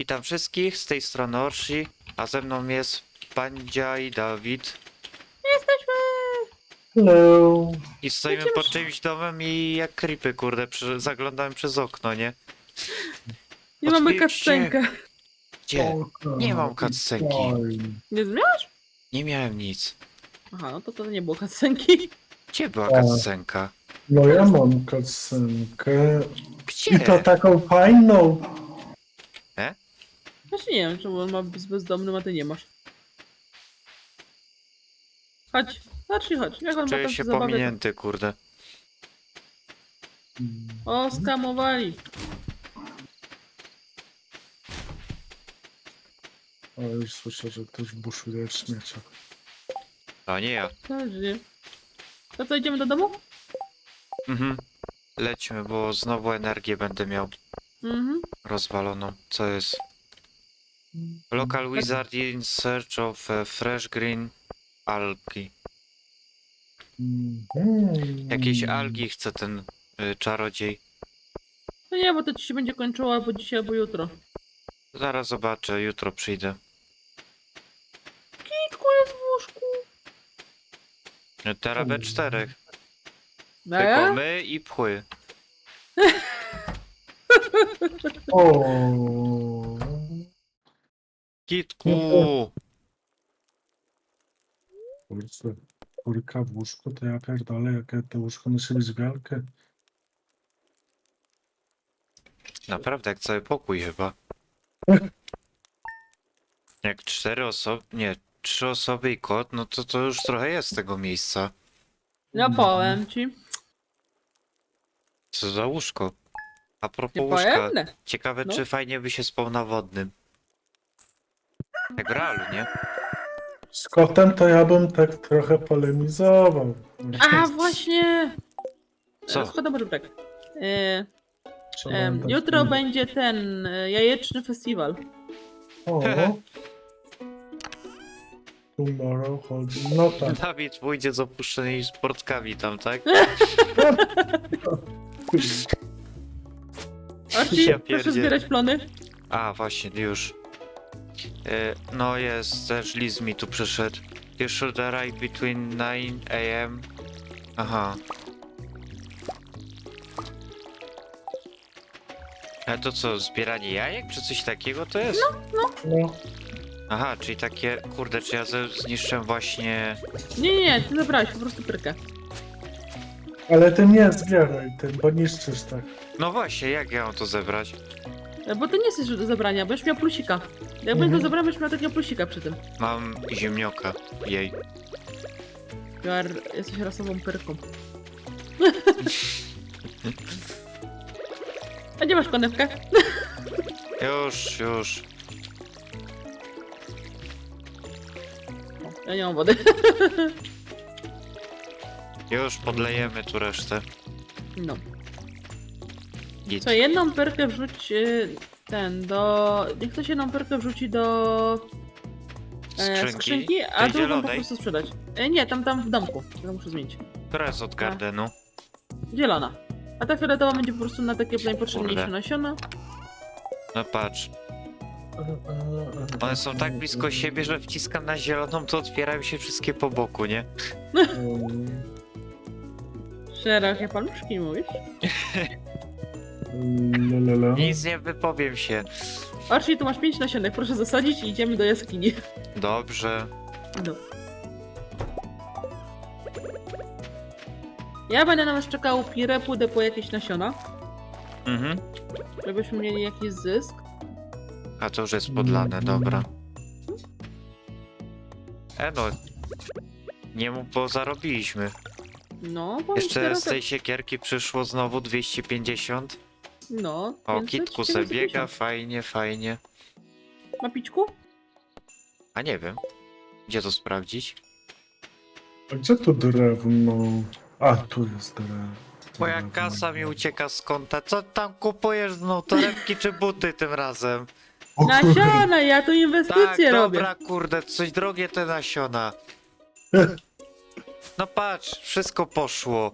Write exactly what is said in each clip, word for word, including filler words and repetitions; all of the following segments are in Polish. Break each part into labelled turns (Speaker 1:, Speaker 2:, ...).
Speaker 1: Witam wszystkich, z tej strony Orsi, a ze mną jest Pandzia i Dawid.
Speaker 2: Jesteśmy!
Speaker 3: Hello.
Speaker 1: I stoimy
Speaker 2: Lecimy
Speaker 1: pod
Speaker 2: się.
Speaker 1: czymś domem i jak creepy, kurde, przy... zaglądałem przez okno, nie?
Speaker 2: Nie mamy
Speaker 1: Otwórzcie.
Speaker 2: cutscenkę.
Speaker 1: Gdzie?
Speaker 3: Spoko,
Speaker 1: Nie mam cutscenki.
Speaker 3: fajnie.
Speaker 2: Nie zmieniasz?
Speaker 1: Nie miałem nic.
Speaker 2: Aha, no to to nie było cutscenki.
Speaker 1: Gdzie była
Speaker 3: A.
Speaker 1: cutscenka?
Speaker 3: No ja mam cutscenkę.
Speaker 1: Gdzie?
Speaker 3: I to taką fajną.
Speaker 2: Właśnie nie wiem, czemu on ma z bezdomnym, a ty nie masz. Chodź, chodź i chodź. Jak on ma
Speaker 1: Czuję
Speaker 2: tam
Speaker 1: się
Speaker 2: zabawę?
Speaker 1: pominięty, kurde.
Speaker 2: O, skamowali.
Speaker 3: O, już słyszę, że ktoś buszuje w śmieciach.
Speaker 1: A nie ja.
Speaker 2: Dobrze. To co, idziemy do domu?
Speaker 1: Mhm. Lećmy, bo znowu energię będę miał
Speaker 2: Mhm.
Speaker 1: rozwaloną. Co jest? Local wizard in search of a fresh green algae.
Speaker 3: Mhm.
Speaker 1: Jakieś algi chce ten y, czarodziej.
Speaker 2: No nie, bo to ci się będzie kończyło albo dzisiaj, albo jutro.
Speaker 1: Zaraz zobaczę, jutro przyjdę.
Speaker 2: Kitku jest w łóżku.
Speaker 1: Y, Teraz we czterech.
Speaker 2: No
Speaker 1: Tylko
Speaker 2: ja?
Speaker 1: my i pchły.
Speaker 3: O.
Speaker 1: Kitku!
Speaker 3: Kurczę, kurka w łóżku, to ja pierdolę, jakie to łóżko musi być wielkie.
Speaker 1: Naprawdę, jak cały pokój chyba. Jak cztery osoby, nie, trzy osoby i kot, no to to już trochę jest tego miejsca.
Speaker 2: No powiem ci.
Speaker 1: Co za łóżko? A propos
Speaker 2: Nie
Speaker 1: łóżka,
Speaker 2: powiem?
Speaker 1: ciekawe
Speaker 2: No.
Speaker 1: czy fajnie by się spał na wodnym. Jak w realu, nie?
Speaker 3: Z kotem to ja bym tak trochę polemizował.
Speaker 2: A właśnie!
Speaker 1: Co?
Speaker 2: Szkoda, może tak. E,
Speaker 3: Trzeba
Speaker 2: em,
Speaker 3: dać
Speaker 2: jutro
Speaker 3: mi-
Speaker 2: będzie ten e, jajeczny festiwal.
Speaker 3: O. Tomorrow chodzi. No tak.
Speaker 1: Dawid pójdzie z opuszczonymi sportkami tam, tak?
Speaker 2: Archie,
Speaker 1: Ja
Speaker 2: proszę
Speaker 1: pierdzie-
Speaker 2: zbierać plony.
Speaker 1: A, właśnie, już. E, no jest, też Liz mi tu przyszedł. You should arrive between nine a m Aha. A to co, zbieranie jajek czy coś takiego to jest?
Speaker 3: No.
Speaker 1: Aha, czyli takie, kurde, czy ja ze- zniszczyłem właśnie...
Speaker 2: Nie, nie, nie, ty zabrałeś po prostu pyrkę.
Speaker 3: Ale ty nie zbieraj tym, bo niszczysz tak.
Speaker 1: No właśnie, jak ja mam to zebrać?
Speaker 2: E, Bo to nie jest do zabrania, będziesz miał plusika. Jak
Speaker 3: Mhm.
Speaker 2: będę zabrał, będziesz miał takiego plusika przy tym.
Speaker 1: Mam ziemnioka, jej.
Speaker 2: Jar, jesteś rasową pyrką. A gdzie masz konewkę?
Speaker 1: Już, już.
Speaker 2: Ja nie mam wody.
Speaker 1: Już podlejemy tu resztę.
Speaker 2: No.
Speaker 1: Git.
Speaker 2: Co, jedną pyrkę wrzuć y, ten do... Niech ktoś jedną pyrkę wrzuci do e,
Speaker 1: Skrzynki?
Speaker 2: skrzynki, a
Speaker 1: Tej
Speaker 2: drugą po
Speaker 1: zielonej?
Speaker 2: prostu sprzedać. E, nie, tam tam w domku. Ja muszę zmienić.
Speaker 1: Która jest od Gardenu?
Speaker 2: Zielona. A ta fioletowa będzie po prostu na takie najpotrzebniejsze
Speaker 1: Kurde.
Speaker 2: nasiona.
Speaker 1: No patrz. One są tak blisko siebie, że wciskam na zieloną, to otwierają się wszystkie po boku, nie?
Speaker 3: Um,
Speaker 2: Szerokie paluszki mówisz?
Speaker 3: Lalala.
Speaker 1: Nic nie wypowiem się.
Speaker 2: Archie, tu masz pięć nasionek, proszę zasadzić i idziemy do jaskini.
Speaker 1: Dobrze.
Speaker 2: No. Ja będę na was czekał pirę, pójdę po jakieś nasiona,
Speaker 1: Mhm.
Speaker 2: żebyśmy mieli jakiś zysk.
Speaker 1: A to już jest podlane, dobra. E no. Nie mu, bo zarobiliśmy.
Speaker 2: No, bo
Speaker 1: Jeszcze
Speaker 2: teraz...
Speaker 1: z tej siekierki przyszło znowu dwieście pięćdziesiąt.
Speaker 2: No,
Speaker 1: O,
Speaker 2: pięćset,
Speaker 1: kitku se
Speaker 2: czterysta
Speaker 1: biega,
Speaker 2: pięćdziesiąt.
Speaker 1: fajnie, fajnie.
Speaker 2: Ma pićku?
Speaker 1: A nie wiem. Gdzie to sprawdzić?
Speaker 3: A gdzie tu drewno? A, tu jest drewno.
Speaker 1: Moja
Speaker 3: Drewno.
Speaker 1: kasa mi ucieka z konta. Co tam kupujesz? No torebki czy buty tym razem?
Speaker 3: O kurde.
Speaker 2: Nasiona, ja tu
Speaker 1: Tak,
Speaker 2: inwestycje robię.
Speaker 1: dobra, kurde, coś drogie te nasiona. No patrz, wszystko poszło.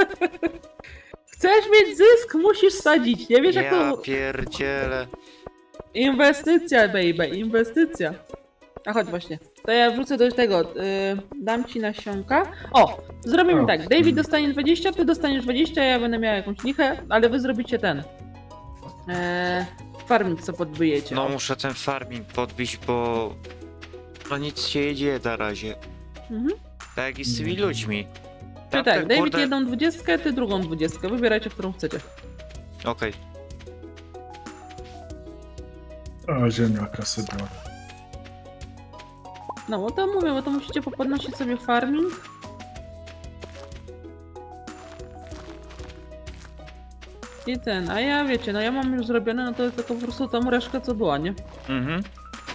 Speaker 2: Chcesz mieć zysk, musisz sadzić. Nie wiesz jak
Speaker 1: Ja
Speaker 2: to...
Speaker 1: pierdzielę.
Speaker 2: Inwestycja, baby, inwestycja. A chodź właśnie. To ja wrócę do tego. Yy, dam ci nasionka. O! Zrobimy
Speaker 3: O.
Speaker 2: tak. David dostanie dwadzieścia, ty dostaniesz dwadzieścia, ja będę miała jakąś lichę, ale wy zrobicie ten. Eee, farming, co podbijecie.
Speaker 1: No
Speaker 2: O.
Speaker 1: muszę ten farming podbić, bo... No nic się nie dzieje na razie.
Speaker 2: Mhm.
Speaker 1: Tak jak i z tymi ludźmi.
Speaker 2: Czyli
Speaker 1: Tamten,
Speaker 2: tak, David
Speaker 1: kurde-
Speaker 2: jedną dwudziestkę, ty drugą dwudziestkę. Wybierajcie, którą chcecie.
Speaker 1: Okej.
Speaker 3: A ziemniaka sobie biorę.
Speaker 2: No bo to mówię, bo to musicie popodnosić sobie farming. I ten, a ja wiecie, no ja mam już zrobione, no to jest tylko po prostu tą reszkę, co była, nie?
Speaker 1: Mhm.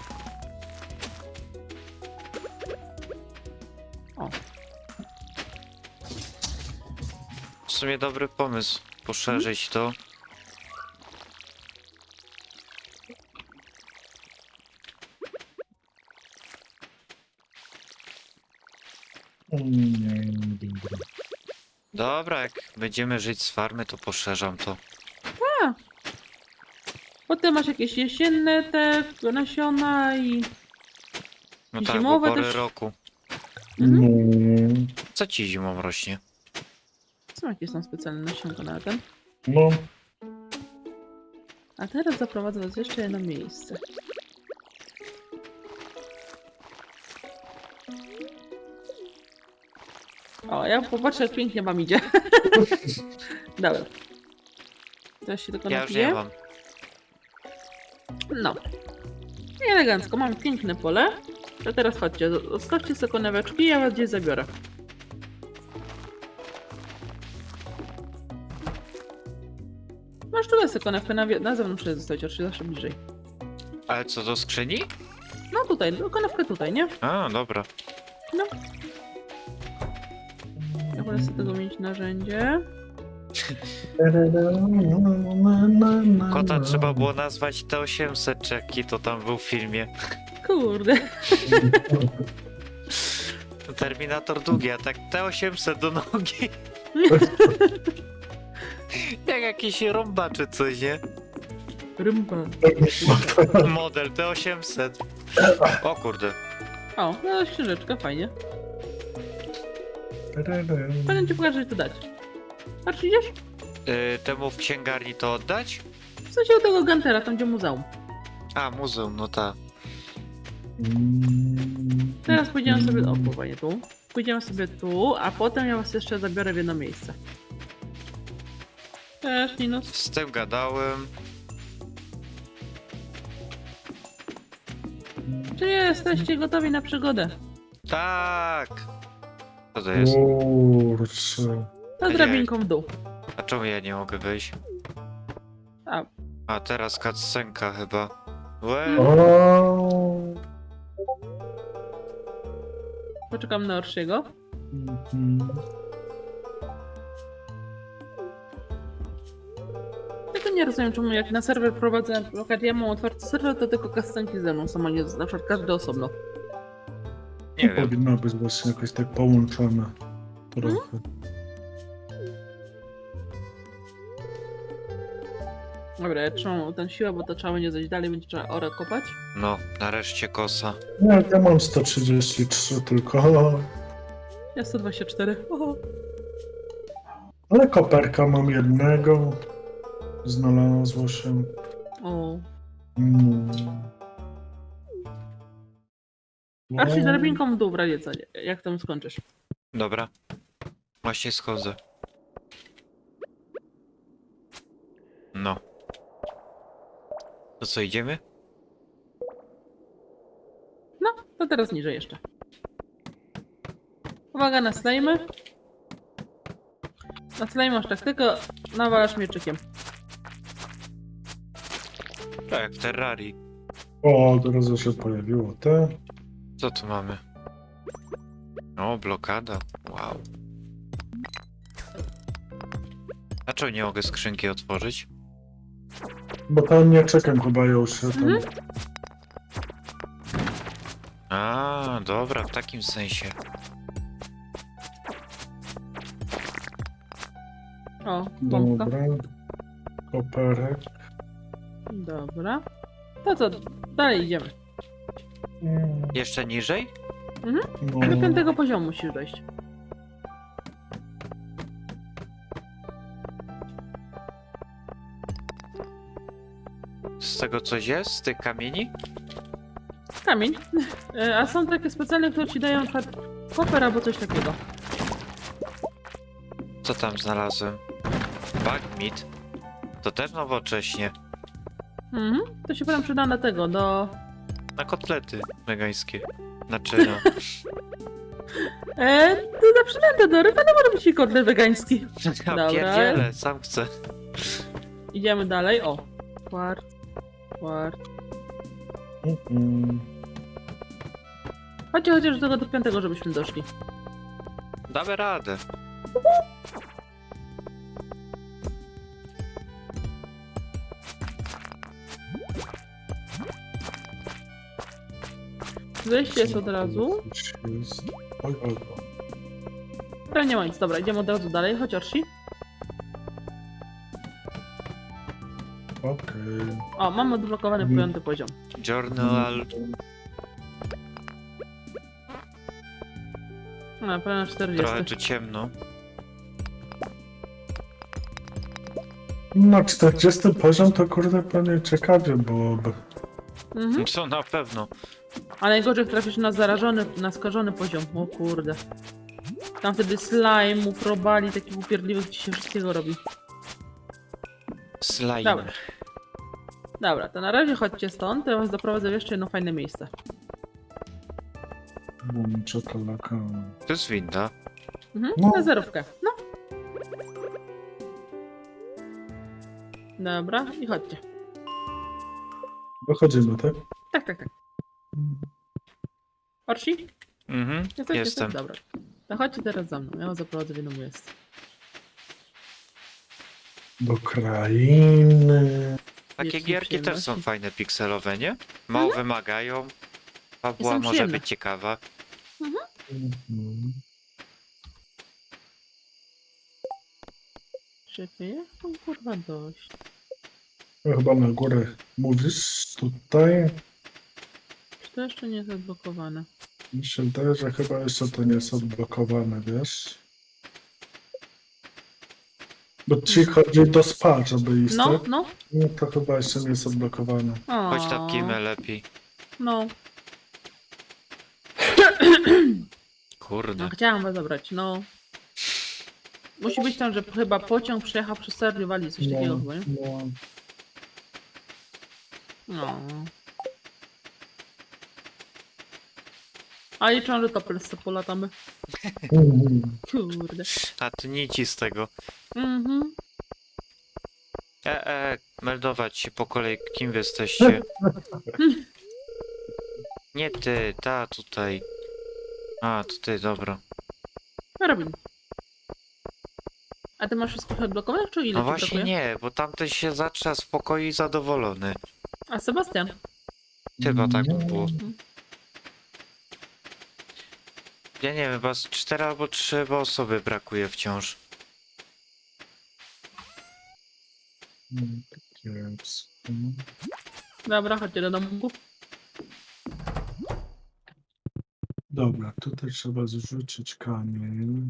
Speaker 2: O.
Speaker 1: W sumie dobry pomysł. Poszerzyć to.
Speaker 3: Nie, nie, dobra.
Speaker 1: Dobra, jak będziemy żyć z farmy, to poszerzam to.
Speaker 2: Potem masz jakieś jesienne te nasiona i...
Speaker 1: No tak, bo
Speaker 2: Zimowe
Speaker 1: pory
Speaker 2: też-
Speaker 1: roku.
Speaker 2: Mhm.
Speaker 3: No,
Speaker 1: Co ci zimą rośnie?
Speaker 2: Są jakieś są specjalne nasionka na ten.
Speaker 3: no.
Speaker 2: A teraz zaprowadzę was w jeszcze jedno miejsce. O, ja popatrzę, jak pięknie wam idzie. Dobra. Teraz się tylko
Speaker 1: Ja już
Speaker 2: napiję.
Speaker 1: nie mam.
Speaker 2: No. I elegancko, mam piękne pole. To teraz chodźcie, zostawcie sobie koneweczki, ja was gdzieś zabiorę. Masz tu sobie konewkę na, wie- na zewnątrz sobie zostawić, oczywiście zawsze bliżej.
Speaker 1: Ale co, do skrzyni?
Speaker 2: No tutaj, no, konewkę tutaj, nie?
Speaker 1: A, dobra.
Speaker 2: Ja wolę sobie tego mieć narzędzie.
Speaker 1: Kota trzeba było nazwać T osiemset, czy jaki to tam był w filmie.
Speaker 2: Kurde.
Speaker 1: Terminator długi, a tak T osiemset do nogi. Jak jakiś rąba czy coś, nie?
Speaker 2: Rymba.
Speaker 1: Model T osiemset. O kurde.
Speaker 2: O, no książeczka, fajnie. Będę ci pokażę, co tu dać. Patrz, idziesz?
Speaker 1: Yy, temu w księgarni to oddać?
Speaker 2: W sensie u tego Gantera, tam gdzie muzeum.
Speaker 1: A, muzeum, no ta.
Speaker 2: Teraz pójdziemy sobie... O, pływanie tu. Pójdziemy sobie tu, a potem ja was jeszcze zabiorę w jedno miejsce. Cześć, Linus.
Speaker 1: Z tym gadałem.
Speaker 2: Czy jesteście gotowi na przygodę?
Speaker 1: Tak! Co to jest?
Speaker 3: Kurczę.
Speaker 2: To drabinką w dół.
Speaker 1: A czemu ja nie mogę wyjść?
Speaker 2: A,
Speaker 1: A teraz cutscenka chyba. Łe.
Speaker 3: O.
Speaker 2: poczekam na Orsiego.
Speaker 3: Mhm.
Speaker 2: Ja to nie rozumiem, czemu jak na serwer prowadzę, na przykład ja mam otwarty serwer, to tylko kascenki ze mną są, a nie na przykład każdy osobno.
Speaker 1: Nie
Speaker 3: To
Speaker 1: wiem.
Speaker 3: powinno być właśnie jakoś tak połączone. Trochę.
Speaker 2: Dobra, ja trzymam ten siłę, bo to trzeba będzie zejść dalej, będzie trzeba orę kopać.
Speaker 1: No, nareszcie kosa.
Speaker 3: Nie, ja mam sto trzydzieści trzy tylko.
Speaker 2: Ja sto dwadzieścia cztery. Oho.
Speaker 3: Ale koperka mam jednego. Znalazło się.
Speaker 2: O.
Speaker 3: Mm.
Speaker 2: Archie, drabinką w dół w razie co, jak tam skończysz.
Speaker 1: Dobra. Właśnie schodzę. No. To co, idziemy?
Speaker 2: No, to teraz niżej jeszcze. Uwaga na slajmy. Na slajmy masz tak, tylko nawalasz mieczykiem.
Speaker 1: Tak, jak w Terrarii.
Speaker 3: O, od razu się pojawiło te.
Speaker 1: Co tu mamy? O, blokada. Wow. A czemu nie mogę skrzynki otworzyć?
Speaker 3: Bo tam nie czekam chyba już się tam.
Speaker 2: Mhm.
Speaker 1: A, dobra, w takim sensie.
Speaker 2: O, bombka.
Speaker 3: Dobra. Koperek.
Speaker 2: Dobra. To co, dalej idziemy.
Speaker 3: Mm,
Speaker 1: Jeszcze niżej?
Speaker 3: No,
Speaker 2: Do piątego poziomu musisz dojść.
Speaker 1: Z tego coś jest? Z tych kamieni?
Speaker 2: Kamień. E, A są takie specjalne, które ci dają na przykład koper albo coś takiego.
Speaker 1: Co tam znalazłem? Bagmeat? To też nowocześnie.
Speaker 2: Mhm. To się potem przyda na tego, do...
Speaker 1: Na kotlety wegańskie. Znaczy no.
Speaker 2: E, to za przynętę do ryby, no może być i kotlet wegański.
Speaker 1: Ja
Speaker 2: Dobra.
Speaker 1: pierdzielę, sam chcę.
Speaker 2: Idziemy dalej. O. Kwart. Kwart.
Speaker 3: mm,
Speaker 2: Chodźcie chociaż do tego do piątego, żebyśmy doszli.
Speaker 1: Damy radę.
Speaker 2: Wejście jest od razu.
Speaker 3: coś jest. Oj, oj, oj.
Speaker 2: Ale nie ma nic. Dobra, idziemy od razu dalej. Chodź Orsi.
Speaker 3: Okej.
Speaker 2: O, mamy odblokowany
Speaker 3: Mhm.
Speaker 2: piąty poziom.
Speaker 1: Journal.
Speaker 2: A, prawie na
Speaker 1: Trochę
Speaker 2: czterdzieści.
Speaker 1: tu ciemno.
Speaker 3: Na czterdziesty poziom to kurde pewnie ciekawie byłoby.
Speaker 2: Mhm.
Speaker 1: Co na pewno.
Speaker 2: A najgorzej jak trafisz na zarażony, na skażony poziom. O kurde. Tam wtedy slime, probali, takich upierdliwych ci się wszystkiego robi.
Speaker 1: Slime.
Speaker 2: Dobra. Dobra, to na razie chodźcie stąd, to ja was doprowadzę w jeszcze jedno fajne miejsce.
Speaker 3: Bum, czekolaka.
Speaker 1: To jest winda.
Speaker 2: Mhm,
Speaker 3: No.
Speaker 2: na zerówkę. No. Dobra, i chodźcie.
Speaker 3: Dochodzimy, tak?
Speaker 2: Tak, tak, tak. Orsi?
Speaker 1: Mhm,
Speaker 2: Jesteś,
Speaker 1: jestem.
Speaker 2: jesteś? Dobra. To chodźcie teraz za mną, ja was zaprowadzę w jedno miejsce.
Speaker 3: Do krainy.
Speaker 1: Takie
Speaker 2: Wielkie
Speaker 1: gierki też są
Speaker 2: przyjemności.
Speaker 1: fajne, pikselowe, nie? Mało wymagają. Fabuła
Speaker 2: są
Speaker 1: może
Speaker 2: przyjemne.
Speaker 1: być ciekawa.
Speaker 3: Mhm.
Speaker 2: Czekaj, jak tam kurwa dość?
Speaker 3: Chyba na górę mówisz tutaj.
Speaker 2: Czy to jeszcze nie jest odblokowane?
Speaker 3: Mi się wydaje, że chyba jeszcze to nie jest odblokowane, wiesz? Bo ci chodzi do spa, żeby iść,
Speaker 2: No,
Speaker 3: tak?
Speaker 2: no.
Speaker 3: No to chyba jeszcze nie jest odblokowane.
Speaker 2: O,
Speaker 1: Chodź tam kimę lepiej.
Speaker 2: No,
Speaker 1: Kurde.
Speaker 2: no, chciałam was zabrać, no. Musi być tam, że chyba pociąg przejechał przez Stardew Valley, coś takiego chyba, nie?
Speaker 3: no.
Speaker 2: No. A liczą, że to Polsce polatamy.
Speaker 3: Mhm.
Speaker 2: Kurde.
Speaker 1: A ty nici z tego.
Speaker 2: Mhm.
Speaker 1: E, e, meldować się po kolei, kim wy jesteście. Nie ty, ta tutaj. A, to ty, dobra.
Speaker 2: Robin. A ty masz wszystko odblokowane, czy ile
Speaker 1: No
Speaker 2: ci
Speaker 1: właśnie
Speaker 2: brakuje?
Speaker 1: nie, bo tamten się zaczyna spokojnie i zadowolony.
Speaker 2: A Sebastian?
Speaker 1: Chyba tak
Speaker 3: No.
Speaker 1: było. Ja nie wiem, chyba z cztery albo trzy osoby brakuje wciąż.
Speaker 3: Mm, kiepsko.
Speaker 2: Dobra, chodźcie do domu.
Speaker 3: Dobra, tutaj trzeba zrzucić kamień.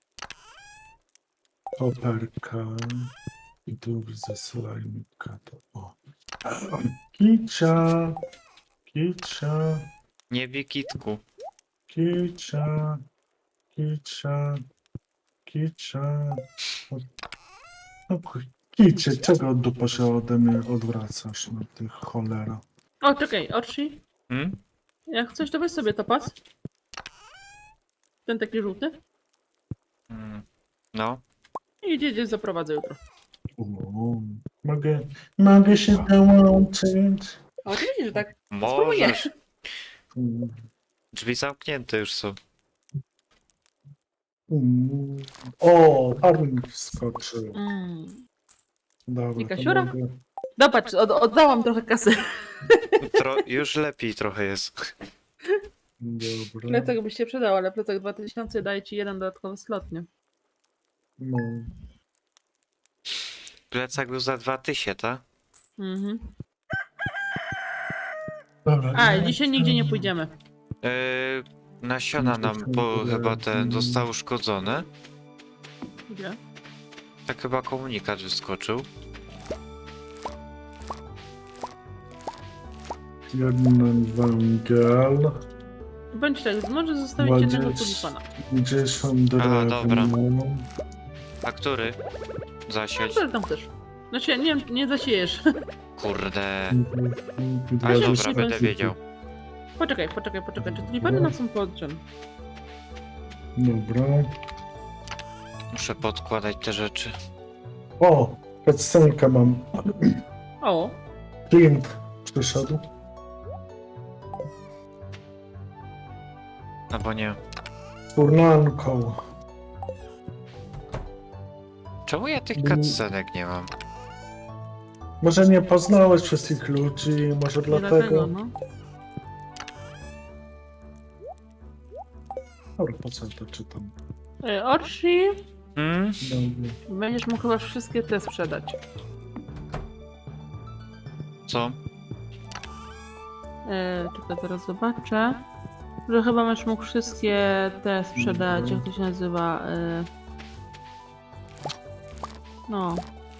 Speaker 3: Koperka. I tu ze slajmika to o. Kicia. Kicia.
Speaker 1: Nie bij kitku.
Speaker 3: Kicia. Kicia. Kicia. No, kicie, czego dupa się ode mnie odwracasz, no ty cholera.
Speaker 2: O, czekaj, Orsi.
Speaker 1: Hmm?
Speaker 2: Jak coś, to weź sobie topas. Ten taki żółty.
Speaker 1: Mm. No.
Speaker 2: I idziecie, zaprowadzę jutro.
Speaker 3: O, mogę, mogę się dołączyć.
Speaker 2: A oczywiście, że tak.
Speaker 1: Możesz.
Speaker 3: Mm,
Speaker 1: Drzwi zamknięte już są.
Speaker 3: mm. O, farming wskoczył.
Speaker 2: Mm.
Speaker 3: Dobra,
Speaker 2: I
Speaker 3: to
Speaker 2: kasiora?
Speaker 3: mogę.
Speaker 2: No patrz, od, oddałam trochę kasy.
Speaker 1: Tro już lepiej trochę jest.
Speaker 3: Dobra.
Speaker 2: Plecak by się przydał, ale plecak dwa tysiące daje ci jeden dodatkowy slot, nie?
Speaker 3: No.
Speaker 1: Plecak był za dwa tysiące, tak?
Speaker 2: Mhm.
Speaker 3: Dobra,
Speaker 2: A,
Speaker 3: nie,
Speaker 2: dzisiaj nigdzie nie pójdziemy.
Speaker 1: Yy, nasiona nam, bo chyba te zostały uszkodzone.
Speaker 2: Gdzie?
Speaker 1: Tak chyba komunikat wyskoczył.
Speaker 3: Jeden węgiel.
Speaker 2: Bądź tak, może zostawić jednego tulipana.
Speaker 3: pięćdziesiąt
Speaker 1: Aha, dobra.
Speaker 3: drewna.
Speaker 1: A który? Zasieć?
Speaker 2: Który tam też? Znaczy, nie, nie zasiejesz.
Speaker 1: Kurde.
Speaker 3: Dwa-
Speaker 1: Ale
Speaker 2: się
Speaker 1: dobra,
Speaker 2: musi
Speaker 1: będę
Speaker 2: bez-
Speaker 1: wiedział.
Speaker 2: Poczekaj, poczekaj, poczekaj. Czy tulipany nam są potrzebne?
Speaker 3: Dobra.
Speaker 1: Muszę podkładać te rzeczy.
Speaker 3: O! Cutscenkę mam.
Speaker 2: O,
Speaker 3: Clint przyszedł.
Speaker 1: Albo nie.
Speaker 3: Z turnanką.
Speaker 1: Czemu ja tych
Speaker 3: Mm.
Speaker 1: cutscenek nie mam?
Speaker 3: Może nie poznałeś wszystkich ludzi, może
Speaker 2: nie
Speaker 3: dlatego.
Speaker 2: dlatego, no.
Speaker 3: Dobra, po co ja to czytam?
Speaker 2: E, Orsi,
Speaker 1: Hmm?
Speaker 3: Dobra.
Speaker 2: będziesz mógł chyba wszystkie te sprzedać.
Speaker 1: Co?
Speaker 2: E, czekaj, teraz zobaczę. Że chyba będziesz mógł wszystkie te sprzedać, jak to się nazywa. E... No.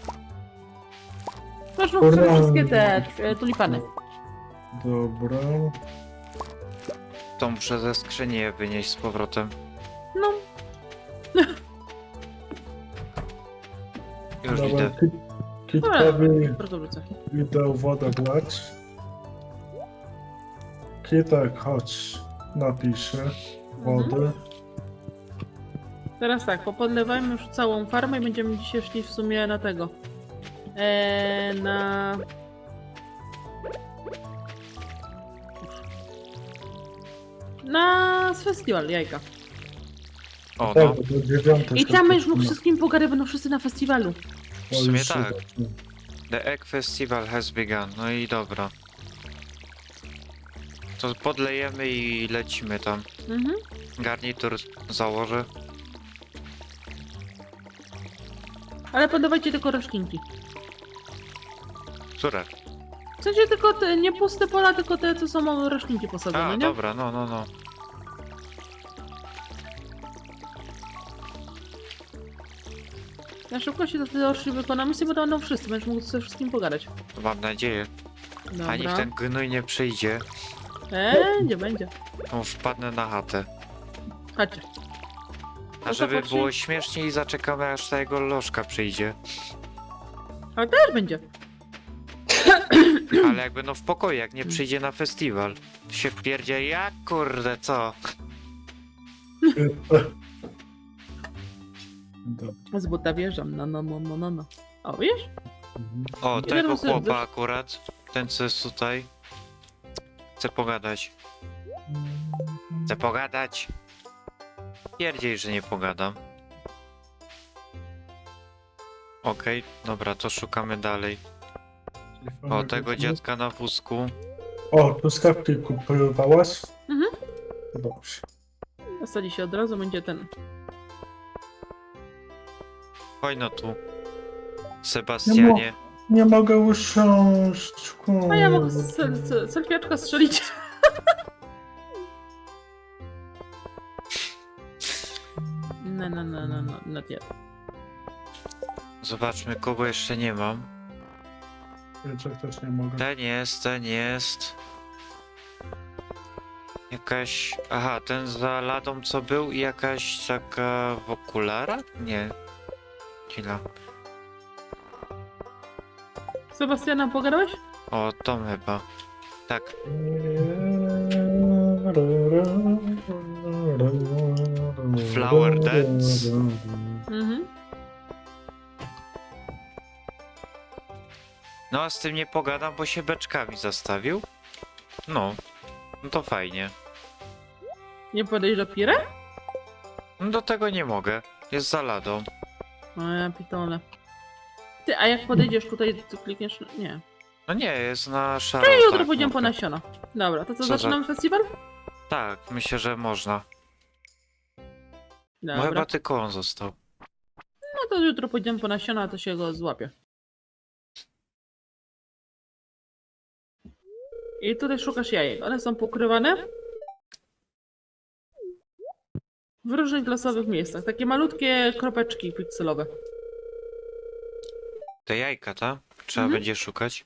Speaker 2: Masz mógł
Speaker 3: Dobra.
Speaker 2: wszystkie te e, tulipany.
Speaker 3: Dobra.
Speaker 1: To muszę ze skrzyni je wynieść z powrotem.
Speaker 2: No,
Speaker 1: Już
Speaker 3: Dobra,
Speaker 1: idę.
Speaker 3: Kit- Kitkowi
Speaker 2: bardzo wrócę.
Speaker 3: idę wodę wlać. Kitek, chodź. Napiszę wody.
Speaker 2: Teraz tak, popodlewajmy już całą farmę i będziemy dzisiaj szli w sumie na tego. Eee, na... Na festiwal jajka.
Speaker 1: O, no.
Speaker 3: Tak, do dziewiątej
Speaker 2: I tam już mógł
Speaker 3: no.
Speaker 2: wszystkim pogadać, będą wszyscy na festiwalu.
Speaker 1: W sumie tak. The Egg Festival has begun. No i dobra. To podlejemy i lecimy tam.
Speaker 2: Mhm.
Speaker 1: Garnitur założę.
Speaker 2: Ale podawajcie tylko roślinki.
Speaker 1: Które?
Speaker 2: W sensie tylko te, nie puste pola, tylko te, co są roślinki posadzone,
Speaker 1: A,
Speaker 2: nie?
Speaker 1: dobra, no, no, no.
Speaker 2: Na szybko się do tej orszy wykonamy sobie, bo to będą wszyscy, będziesz mógł ze wszystkim pogadać.
Speaker 1: To mam nadzieję. A niech
Speaker 2: Dobra.
Speaker 1: ten gnój nie przyjdzie.
Speaker 2: Będzie, będzie.
Speaker 1: To wpadnę na chatę.
Speaker 2: Chodźcie.
Speaker 1: A
Speaker 2: to
Speaker 1: żeby
Speaker 2: faktycznie-
Speaker 1: było śmieszniej, zaczekamy aż ta jego lożka przyjdzie.
Speaker 2: Ale też będzie.
Speaker 1: Ale jakby no w pokoju, jak nie przyjdzie na festiwal. Się wpierdzie, jak kurde, co?
Speaker 3: Dobra.
Speaker 2: Z buta wjeżdżam, no, no, no, no, no, no. O, wiesz?
Speaker 3: Mhm.
Speaker 1: O,
Speaker 2: Ile
Speaker 1: tego
Speaker 2: razy
Speaker 1: chłopa
Speaker 2: dosz-
Speaker 1: akurat. Ten co jest tutaj. Chcę pogadać. Chcę pogadać. Pierdziej, że nie pogadam. Okej, dobra, to szukamy dalej. O, tego dziadka na wózku.
Speaker 3: O, truskawki kupowałaś?
Speaker 2: Mhm.
Speaker 3: Dobrze.
Speaker 2: Dostali się od razu, będzie ten.
Speaker 1: Chodź no tu. Sebastianie.
Speaker 3: Nie mogę usiąść.
Speaker 2: A ja mogę
Speaker 3: kurde.
Speaker 2: sel, sel, selfiaczka strzelić. No, no, no, no, no, not yet.
Speaker 1: Zobaczmy, kogo jeszcze nie mam.
Speaker 3: Jeszcze też nie mogę.
Speaker 1: Ten jest, ten jest. Jakaś... Aha, ten za ladą co był i jakaś taka w okularach? Nie. Chwila.
Speaker 2: Sebastiana, pogadałeś?
Speaker 1: O, Tom chyba. Tak. Flower dance.
Speaker 2: Mhm.
Speaker 1: No a z tym nie pogadam, bo się beczkami zastawił. No. No to fajnie.
Speaker 2: Nie podejść do Pire?
Speaker 1: No do tego nie mogę. Jest za ladą.
Speaker 2: O, ja pitole. Ty, a jak podejdziesz tutaj, to klikniesz... Nie.
Speaker 1: No nie, jest na szaro.
Speaker 2: No i jutro
Speaker 1: tak,
Speaker 2: pójdziemy po
Speaker 1: mogę.
Speaker 2: nasiona. Dobra, to co,
Speaker 1: Co za-
Speaker 2: zaczynamy festiwal?
Speaker 1: Tak, myślę, że można. No
Speaker 2: Dobra.
Speaker 1: chyba tylko on został.
Speaker 2: No to jutro pójdziemy po nasiona, a to się go złapie. I tutaj szukasz jajek. One są pokrywane w różnych losowych miejscach. Takie malutkie kropeczki pikselowe.
Speaker 1: Te jajka, ta? Trzeba
Speaker 2: Mhm.
Speaker 1: będzie szukać.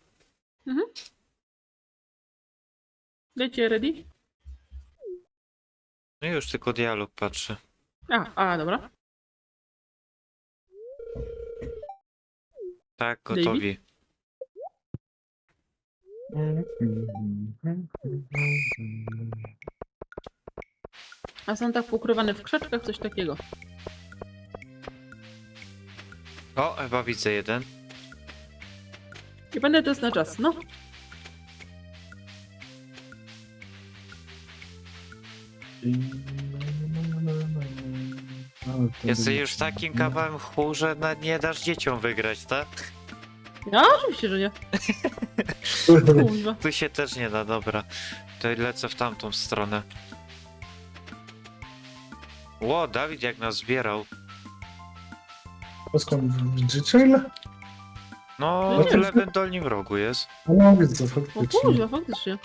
Speaker 2: Dajcie ready?
Speaker 1: No już tylko dialog patrzę.
Speaker 2: A, a, dobra.
Speaker 1: Tak,
Speaker 2: David?
Speaker 1: gotowi.
Speaker 2: A są tak pokrywane w krzaczkach, coś takiego.
Speaker 1: O, chyba widzę jeden.
Speaker 2: I będę to jest na czas, no.
Speaker 1: Jesteś już takim kawałem chłu, że na- nie dasz dzieciom wygrać, tak?
Speaker 2: Ja oczywiście, że nie. Kuźwa.
Speaker 1: Tu się też nie da, dobra. To lecę w tamtą stronę. Ło, Dawid jak nas zbierał.
Speaker 3: A skąd widzicie ile?
Speaker 1: No,
Speaker 2: No
Speaker 1: w
Speaker 2: nie.
Speaker 1: lewym dolnym rogu jest.
Speaker 3: No widzę,
Speaker 2: O
Speaker 3: faktycznie.
Speaker 2: kuźwa, faktycznie.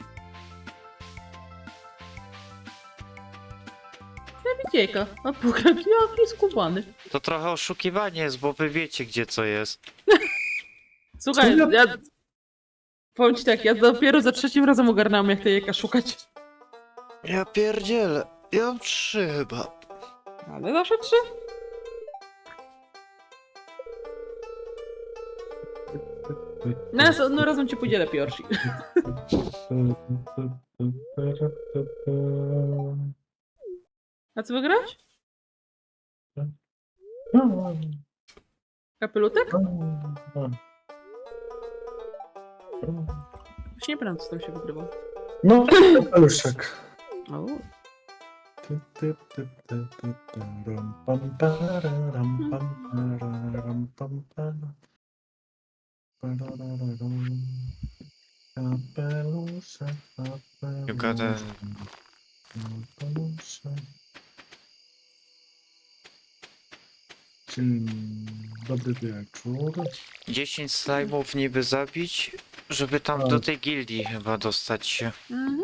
Speaker 2: Ja widzieka. A pokaż, jaki skubany.
Speaker 1: To trochę oszukiwanie jest, bo wy wiecie gdzie co jest.
Speaker 2: Słuchaj,
Speaker 3: Co ja-
Speaker 2: ja... Powiem ci tak, ja dopiero za trzecim razem ogarnąłem, jak te jajka szukać.
Speaker 1: Ja pierdzielę. Ja mam trzy chyba.
Speaker 2: Ale zawsze trzy. No, no razem ci pójdzie lepiej, Orsi. A co wygrałeś? Kapelutek? Już nie pamiętam, co tam się wygrywał.
Speaker 3: No, paluszek.
Speaker 2: O,
Speaker 3: Ty, ty, ty, ty, ty, ty, ram, pam, pararam, pam, pararam, pam, para. Parararam. Kapeluszek,
Speaker 1: You got a-
Speaker 3: kapeluszek. Dzień dobry wieczór.
Speaker 1: dziesięć slajmów niby zabić, żeby tam
Speaker 3: Tak.
Speaker 1: do tej gildii chyba dostać się.
Speaker 2: mhm.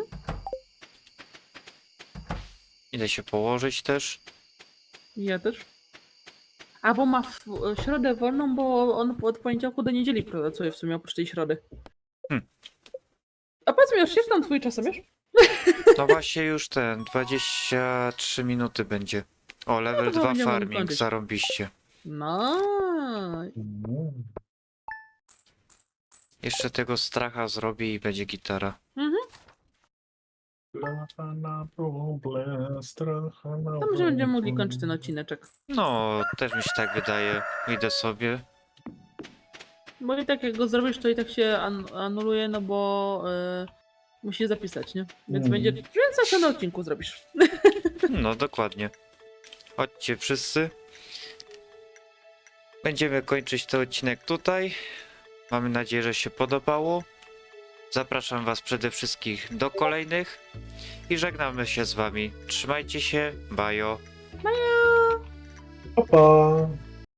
Speaker 1: Idę się położyć też.
Speaker 2: Ja też. A bo ma w w środę wolną, bo on od poniedziałku do niedzieli pracuje w sumie oprócz tej środy.
Speaker 1: Hmm.
Speaker 2: A powiedz mi, już jest tam twój czasomierz?
Speaker 1: No właśnie już ten, dwadzieścia trzy minuty będzie. O, level
Speaker 2: No to
Speaker 1: dwa
Speaker 2: będziemy
Speaker 1: farming,
Speaker 2: kończyć.
Speaker 1: zarąbiście.
Speaker 2: No.
Speaker 3: Mm.
Speaker 1: Jeszcze tego stracha zrobię i będzie gitara.
Speaker 2: Mhm.
Speaker 3: Stracha na problem, stracha na
Speaker 2: To może będziemy mogli
Speaker 3: problem.
Speaker 2: kończyć ten odcineczek.
Speaker 1: No, też mi się tak wydaje. Idę sobie.
Speaker 2: Bo i tak jak go zrobisz, to i tak się an anuluje, no bo yy, musi zapisać, nie? Więc
Speaker 3: Mm.
Speaker 2: będzie. Więc zawsze na odcinku zrobisz.
Speaker 1: No, dokładnie. Chodźcie wszyscy. Będziemy kończyć ten odcinek tutaj. Mamy nadzieję, że się podobało. Zapraszam was przede wszystkim do kolejnych. I żegnamy się z wami. Trzymajcie się. Bajo.
Speaker 3: Pa, pa.